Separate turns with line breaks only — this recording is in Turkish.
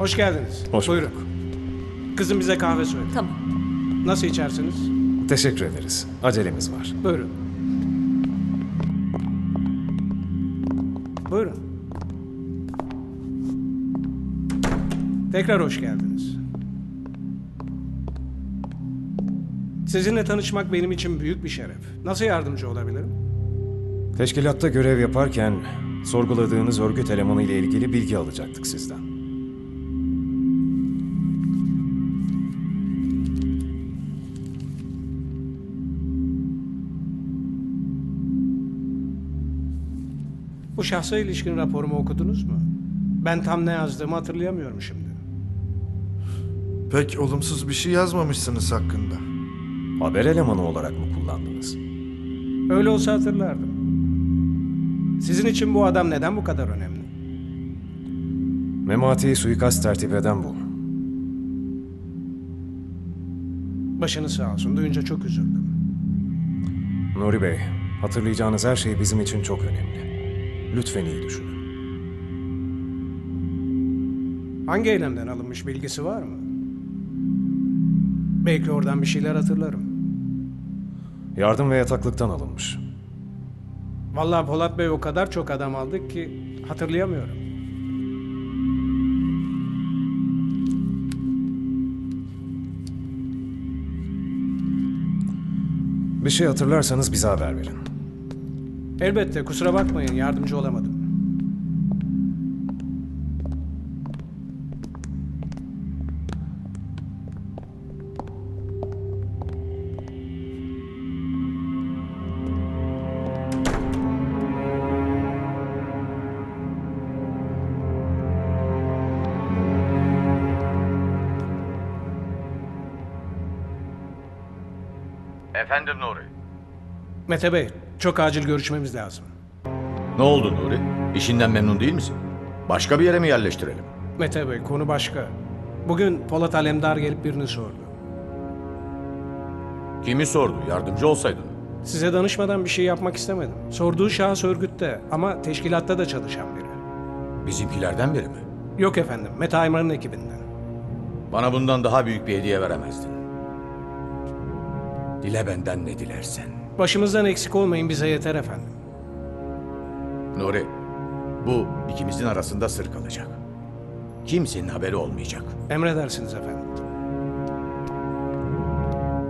Hoş geldiniz.
Hoş
Buyurun.
bulduk.
Kızım bize kahve söyle.
Tamam.
Nasıl içersiniz?
Teşekkür ederiz. Acelemiz var.
Buyurun. Buyurun. Tekrar hoş geldiniz. Sizinle tanışmak benim için büyük bir şeref. Nasıl yardımcı olabilirim?
Teşkilatta görev yaparken sorguladığınız örgüt elemanı ile ilgili bilgi alacaktık sizden.
Bu şahsa ilişkin raporumu okudunuz mu? Ben tam ne yazdığımı hatırlayamıyorum şimdi.
Pek olumsuz bir şey yazmamışsınız hakkında.
Haber elemanı olarak mı kullandınız?
Öyle olsa hatırlardım. Sizin için bu adam neden bu kadar önemli?
Memati'yi suikast tertip eden bu.
Başınız sağ olsun. Duyunca çok üzüldüm.
Nuri Bey, hatırlayacağınız her şey bizim için çok önemli. Lütfen iyi düşünün.
Hangi eylemden alınmış bilgisi var mı? Belki oradan bir şeyler hatırlarım.
Yardım ve yataklıktan alınmış.
Vallahi Polat Bey o kadar çok adam aldık ki hatırlayamıyorum.
Bir şey hatırlarsanız bize haber verin.
Elbette, kusura bakmayın, yardımcı olamadım.
Efendim Nuri.
Mete Bey, çok acil görüşmemiz lazım.
Ne oldu Nuri? İşinden memnun değil misin? Başka bir yere mi yerleştirelim?
Mete Bey, konu başka. Bugün Polat Alemdar gelip birini sordu.
Kimi sordu? Yardımcı olsaydın.
Size danışmadan bir şey yapmak istemedim. Sorduğu şahıs örgütte ama teşkilatta da çalışan biri.
Bizimkilerden biri mi?
Yok efendim, Mete Aymar'ın ekibinden.
Bana bundan daha büyük bir hediye veremezdin. Dile benden ne dilersen.
Başımızdan eksik olmayın, bize yeter efendim.
Nuri, bu ikimizin arasında sır kalacak. Kimsenin haberi olmayacak.
Emredersiniz efendim.